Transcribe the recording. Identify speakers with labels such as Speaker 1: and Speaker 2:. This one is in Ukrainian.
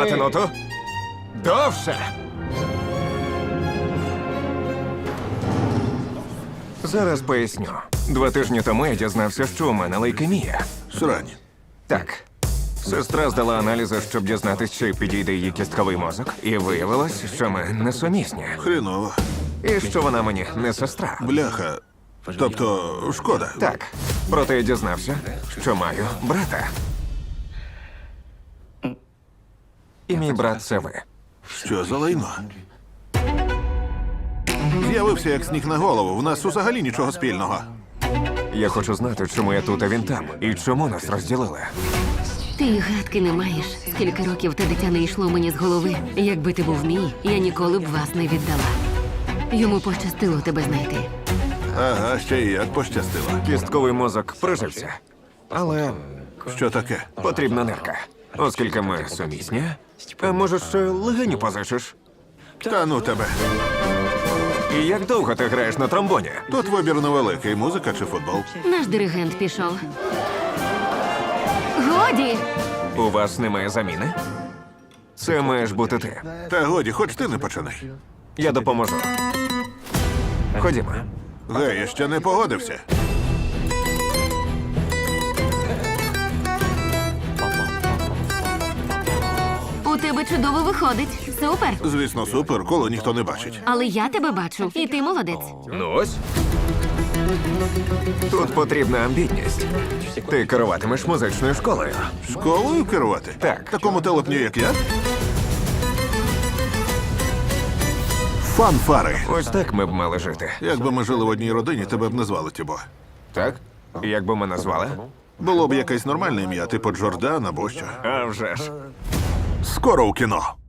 Speaker 1: Тримати ноту. Довше. Зараз поясню. 2 тижні тому я дізнався, що у мене лейкемія.
Speaker 2: Срань.
Speaker 1: Так. Сестра здала аналізи, щоб дізнатися, чи підійде її кістковий мозок. І виявилось, що ми несумісні.
Speaker 2: Хреново.
Speaker 1: І що вона мені не сестра.
Speaker 2: Бляха. Тобто, шкода.
Speaker 1: Так. Проте я дізнався, що маю брата. І мій брат це ви.
Speaker 2: Що за лайно? З'явився як сніг на голову. В нас взагалі нічого спільного.
Speaker 1: Я хочу знати, чому я тут, а він там. І чому нас розділили.
Speaker 3: Ти й гадки не маєш. Скільки років те дитя не йшло мені з голови. Якби ти був мій, я ніколи б вас не віддала. Йому пощастило тебе знайти.
Speaker 2: Ага, ще й як пощастило.
Speaker 1: Кістковий мозок прижився. Але
Speaker 2: Що таке?
Speaker 1: потрібна нирка. Оскільки ми сумісні, а може, ще легеню позичиш?
Speaker 2: Та ну тебе.
Speaker 1: І як довго ти граєш на тромбоні?
Speaker 2: Тут вибір невеликий. Музика чи футбол?
Speaker 3: Наш диригент пішов. Годі!
Speaker 1: У вас немає заміни? Це маєш бути ти.
Speaker 2: Та годі, хоч ти не починай.
Speaker 1: Я допоможу. Ходімо.
Speaker 2: Гей, я ще не погодився.
Speaker 3: У тебе чудово виходить. Супер.
Speaker 2: Звісно, супер, коли ніхто не бачить.
Speaker 3: Але я тебе бачу, і ти молодець.
Speaker 1: Ну ось. Тут потрібна амбітність. Ти керуватимеш музичною школою.
Speaker 2: Школою керувати?
Speaker 1: Так.
Speaker 2: Такому телепню, як я? Фанфари.
Speaker 1: Ось так ми б мали жити.
Speaker 2: Якби ми жили в одній родині, тебе б не звали Тібо.
Speaker 1: Так? Як би ми назвали?
Speaker 2: Було б якесь нормальне ім'я, типу Джордан або що.
Speaker 1: А вже ж.
Speaker 2: Скоро у кіно.